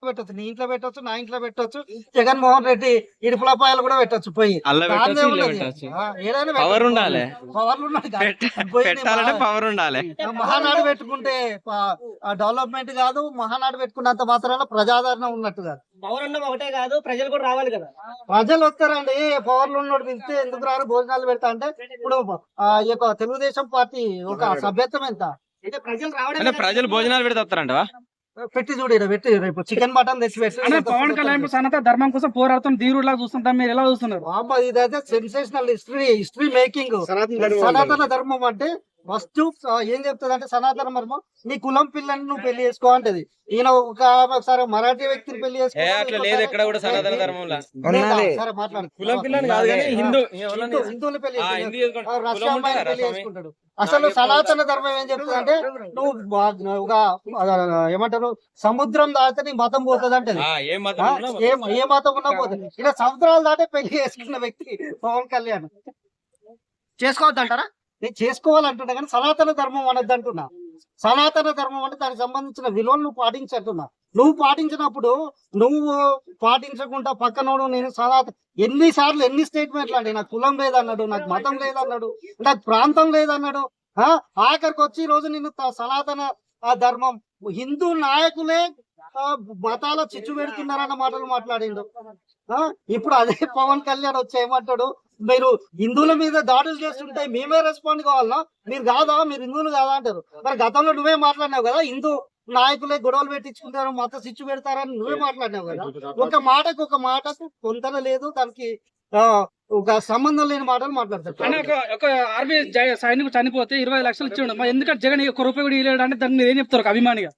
పెట్టొచ్చు, నీ ఇంట్లో పెట్టొచ్చు, నా ఇంట్లో పెట్టొచ్చు, జగన్మోహన్ రెడ్డి ఇడుపులపాయలు కూడా పెట్టొచ్చు పోయి. ఏదైనా పవర్ ఉండాలి, పవర్లు పెట్టాలంటే పవర్ ఉండాలి. మహానాడు పెట్టుకుంటే డెవలప్మెంట్ కాదు, మహానాడు పెట్టుకున్నంత మాత్రాన ప్రజాదరణ ఉన్నట్టు కాదు. పవర్ ఉండడం ఒకటే కాదు, ప్రజలు కూడా రావాలి కదా. ప్రజలు వస్తారండి, పవర్లు ఉన్నోడు పిలిస్తే ఎందుకు రారు, భోజనాలు పెడతా అంటే. ఇప్పుడు ఈ యొక్క తెలుగుదేశం పార్టీ ఒక సభ్యత్వం ఎంత అంటే ప్రజలు రావడం అంటే ప్రజలు భోజనాలు పెడితే వస్తారంటవా? పెట్టి చూడు, పెట్టి రేపు చికెన్ మటన్ తెచ్చి పెట్టి. పవన్ కళ్యాణ్ సనాతన ధర్మం కోసం పోరాడుతున్న ధీరులా చూస్తుంటాం, మీరు ఎలా చూస్తున్నారు? ఇదైతే సెన్సేషనల్ హిస్టరీ మేకింగ్. సనాతన ధర్మం అంటే ఫస్ట్ ఏం చెప్తుంది అంటే, సనాతన ధర్మం నీ కులం పిల్లని నువ్వు పెళ్లి చేసుకో అంటది. ఈయన ఒకసారి మరాఠీ వ్యక్తిని పెళ్లి చేసుకో, ఎక్కడ కూడా సనాతన ధర్మంలో సరే మాట్లాడు, కులం పిల్లని కాదు కానీ హిందువులు పెళ్లి రష్యా అమ్మాయిని పెళ్లి చేసుకుంటాడు. అసలు సనాతన ధర్మం ఏం చెప్తుంది అంటే, నువ్వు ఒక ఏమంటారు సముద్రం దాటితే నీ మతం పోతుంది అంటే. ఏ మతం ఉన్నా పోతుంది. ఇలా సముద్రాలు దాటే పెళ్లి చేసుకున్న వ్యక్తి పవన్ కళ్యాణ్. చేసుకోవద్దు అంటారా? నేను చేసుకోవాలంటున్నా కానీ సనాతన ధర్మం అనద్దు అంటున్నా. సనాతన ధర్మం అంటే దానికి సంబంధించిన విలువలు నువ్వు పాటించంటున్నా. నువ్వు పాటించినప్పుడు నువ్వు పాటించకుండా పక్కనోడు నేను ఎన్నిసార్లు ఎన్ని స్టేట్మెంట్లు అండి, నాకు కులం లేదన్నాడు, నాకు మతం లేదన్నాడు, నాకు ప్రాంతం లేదన్నాడు. ఆఖరికి వచ్చి ఈ రోజు నిన్ను సనాతన ధర్మం హిందూ నాయకులే మతాల చిచ్చు పెడుతున్నారన్న మాటలు మాట్లాడిండు. ఇప్పుడు అదే పవన్ కళ్యాణ్ వచ్చి ఏమంటాడు, మీరు హిందువుల మీద దాడులు చేస్తుంటే మేమే రెస్పాండ్ కావాలన్నా, మీరు కాదా, మీరు హిందువులు కాదా అంటారు. మరి గతంలో నువ్వే మాట్లాడినావు కదా, హిందూ నాయకులే గొడవలు పెట్టించుకుంటారు, మత చిచ్చు పెడతారని నువ్వే మాట్లాడినావు కదా. ఒక మాటకు పొంతన లేదు, దానికి ఒక సంబంధం లేని మాటలు మాట్లాడతారు. ఒక ఆర్మీ సైనికుడు చనిపోతే 20 లక్షలు ఇచ్చిండు, మరి ఎందుకంటే జగన్ 1 రూపాయి కూడా ఇవ్వలేడు అంటే దాన్ని మీరు ఏం చెప్తారు? ఒక అభిమానిగా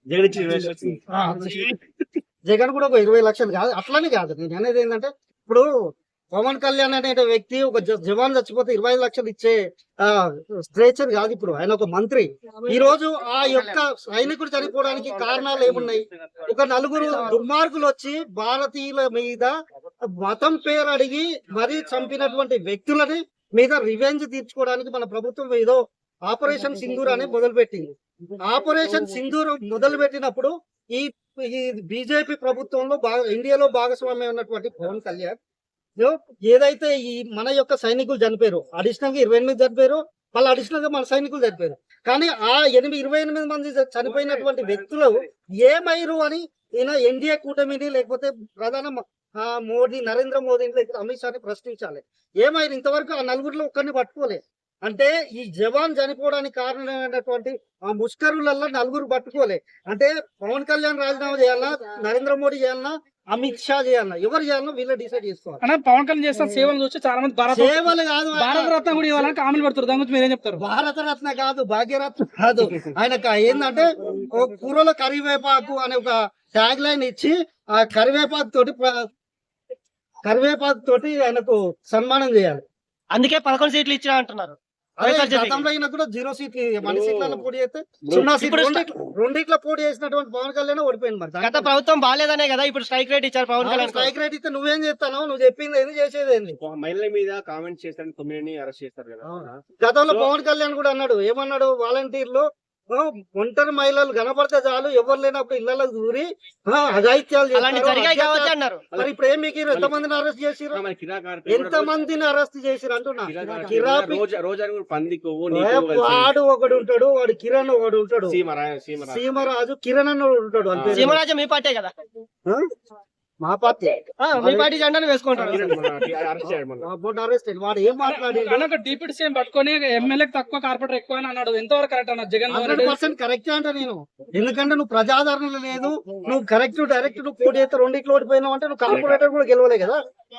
జగన్ కూడా ఒక 20 లక్షలు కాదు, అట్లనే కాదు. నేను అనేది ఏంటంటే, ఇప్పుడు పవన్ కళ్యాణ్ అనే వ్యక్తి ఒక జవాన్ చచ్చిపోతే 25 లక్షలు ఇచ్చే స్ట్రేచర్ కాదు. ఇప్పుడు ఆయన ఒక మంత్రి. ఈ రోజు ఆ యొక్క సైనికుడు చనిపోవడానికి కారణాలు ఏమున్నాయి? ఒక 4 దుర్మార్గులు వచ్చి భారతీయుల మీద మతం పేరు అడిగి మరీ చంపినటువంటి వ్యక్తులని మీద రివెంజ్ తీర్చుకోవడానికి మన ప్రభుత్వం ఏదో ఆపరేషన్ సింధూర్ అని మొదలుపెట్టింది. ఆపరేషన్ సింధూర్ మొదలు పెట్టినప్పుడు ఈ బీజేపీ ప్రభుత్వంలో ఇండియాలో భాగస్వామ్యం ఉన్నటువంటి పవన్ కళ్యాణ్ ఏదైతే ఈ మన యొక్క సైనికులు చనిపోయారు, అడిషనల్ గా 28 చనిపోయారు, మళ్ళీ అడిషనల్ గా మన సైనికులు చనిపోయారు. కానీ ఆ 28 మంది చనిపోయినటువంటి వ్యక్తులు ఏమైరు అని ఈయన ఎన్డీఏ కూటమిని లేకపోతే ప్రధాన నరేంద్ర మోదీని లేకపోతే అమిత్ షాని ప్రశ్నించాలి. ఏమైరు ఇంతవరకు ఆ 4 ఒక్కరిని పట్టుకోలే అంటే, ఈ జవాన్ చనిపోవడానికి కారణమైనటువంటి ఆ ముష్కరులలో 4 పట్టుకోలే అంటే, పవన్ కళ్యాణ్ రాజీనామా చేయాలన్నా, నరేంద్ర మోడీ చేయాలన్నా, అమిత్ షా చేయాలన్నా, ఎవరు చేయాలన్నా వీళ్ళే డిసైడ్ చేసుకోవాలి. పవన్ కళ్యాణ్ చేస్తున్న సేవలు చూసి చాలా మంది సేవలు కాదు, భారత రత్న కూడా ఇవ్వాలని కామెంట్ పెడతారు. దాని గురించి మీరేం చెప్తారు? భారత రత్న కాదు, భాగ్యరత్న కాదు. ఆయనకు ఏంటంటే కూరలో కరివేపాకు అనే ఒక ట్యాగ్ లైన్ ఇచ్చి ఆ కరివేపాకు తోటి ఆయనకు సన్మానం చేయాలి. అందుకే 11 సీట్లు ఇచ్చినా అంటున్నారు. గతంలో అయినా కూడా 0 సీట్లు, మన సీట్లలో పోటీ చేస్తే 0 సీట్లు, రెండిట్లో పోటీ చేసినటువంటి పవన్ కళ్యాణ్ ఓడిపోయింది. మరి గత ప్రభుత్వం బాగాలేదనే కదా ఇప్పుడు స్ట్రైక్ రేట్ ఇచ్చారు పవన్ కళ్యాణ్. స్ట్రైక్ రేట్ ఇస్తే నువ్వేం చేస్తాను, నువ్వు చెప్పింది ఏంది, చేసేది ఏంది? మహిళల మీద కామెంట్ చేస్తారని 9 అరెస్ట్ చేస్తారు కదా. గతంలో పవన్ కళ్యాణ్ కూడా అన్నాడు, ఏమన్నాడు, వాలంటీర్లు ఒంటరి మహిళలు కనపడితే చాలు, ఎవరు లేనప్పుడు ఇళ్లలో దూరి అఘాయిత్యాలు అన్నారు. మరి ఇప్పుడు ఏం మీకు ఎంతమందిని అరెస్ట్ చేసిరు, ఎంతమందిని అరెస్ట్ చేసిరు అంటున్నా. వాడు ఒకడు ఉంటాడు, వాడు కిరణ్ ఒకడు ఉంటాడు, సీమరాజు కిరణ్ అని ఉంటాడు. అంతే. సీమరాజు మీ పార్టీ కదా? మా పార్టీ, మీ పార్టీ జెండాను వేసుకుంటారు. వాడు ఏం మాట్లాడాడు? డిప్యూటీ సీఎం పట్టుకొని ఎమ్మెల్యే తక్కువ, కార్పొరేటర్ ఎక్కువ అని అన్నాడు. ఎంతవరకు కరెక్ట్ అన్నారు? జగన్ 100% కరెక్ట్ అంట నేను. ఎందుకంటే నువ్వు ప్రజాదరణ లేదు, నువ్వు డైరెక్ట్ నువ్వు పోటీ అయితే 2 ఓడిపోయినావు అంటే నువ్వు కార్పొరేటర్ కూడా గెలవలే కదా.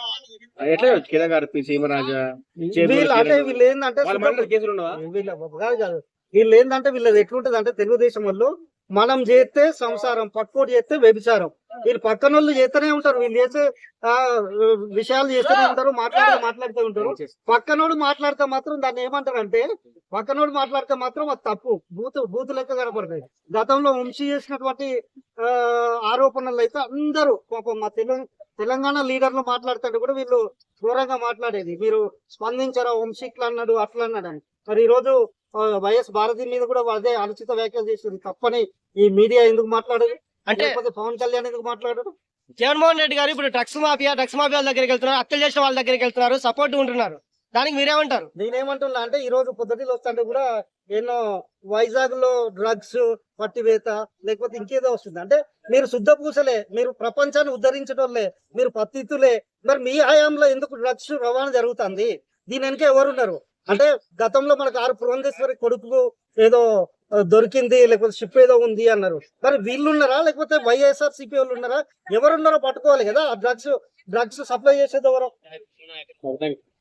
వీళ్ళు ఏంటంటే వీళ్ళది ఎట్లుంటది అంటే, తెలుగుదేశం వాళ్ళు మనం చేస్తే సంసారం, పక్కోటి చేస్తే వ్యభిచారం. వీళ్ళు పక్కన వాళ్ళు చేస్తూనే ఉంటారు, వీళ్ళు చేసే విషయాలు చేస్తూనే ఉంటారు, మాట్లాడుతూ ఉంటారు. పక్కనోడు మాట్లాడితే మాత్రం దాన్ని ఏమంటారంటే, పక్కనోడు మాట్లాడితే మాత్రం అది తప్పు, బూతు లెక్క కనపడుతుంది. గతంలో వంశీ చేసినటువంటి ఆరోపణలు అయితే అందరూ పాపం మా తెలంగాణ లీడర్లు మాట్లాడుతుంటే కూడా వీళ్ళు ఘోరంగా మాట్లాడేది. మీరు స్పందించారా, వంశీక్లు అన్నాడు, అట్లా అన్నాడు అని. మరి ఈ రోజు వైఎస్ భారతి మీద కూడా అదే అనుచిత వ్యాఖ్యలు చేసింది. తప్పని ఈ మీడియా ఎందుకు మాట్లాడదు? అంటే లేకపోతే పవన్ కళ్యాణ్ ఎందుకు మాట్లాడరు? జగన్మోహన్ రెడ్డి గారు ఇప్పుడు డ్రగ్స్ మాఫియా వాళ్ళ దగ్గరికి వెళ్తున్నారు, హత్యలు చేసిన వాళ్ళ దగ్గరికి వెళ్తున్నారు, సపోర్ట్ ఉంటున్నారు. దానికి మీరేమంటారు? నేనేమంటున్నా అంటే ఈ రోజు పొద్దుటిలో వస్తుంటే కూడా ఎన్నో వైజాగ్ లో డ్రగ్స్ పట్టివేత లేకపోతే ఇంకేదో వస్తుంది. అంటే మీరు శుద్ధ పూసలే, మీరు ప్రపంచాన్ని ఉద్ధరించడంలే, మీరు పత్తితులే, మరి మీ హయాంలో ఎందుకు డ్రగ్స్ రవాణా జరుగుతుంది? దీని వెనక ఎవరున్నారు? అంటే గతంలో మనకు ఆరు పురంధేశ్వరి కొడుకు ఏదో దొరికింది, లేకపోతే షిప్ ఏదో ఉంది అన్నారు. మరి వీళ్ళు ఉన్నారా లేకపోతే వైఎస్ఆర్ సిపి వాళ్ళు ఉన్నారా? ఎవరున్నారో పట్టుకోవాలి కదా. డ్రగ్స్ సప్లై చేసేది ఎవరు?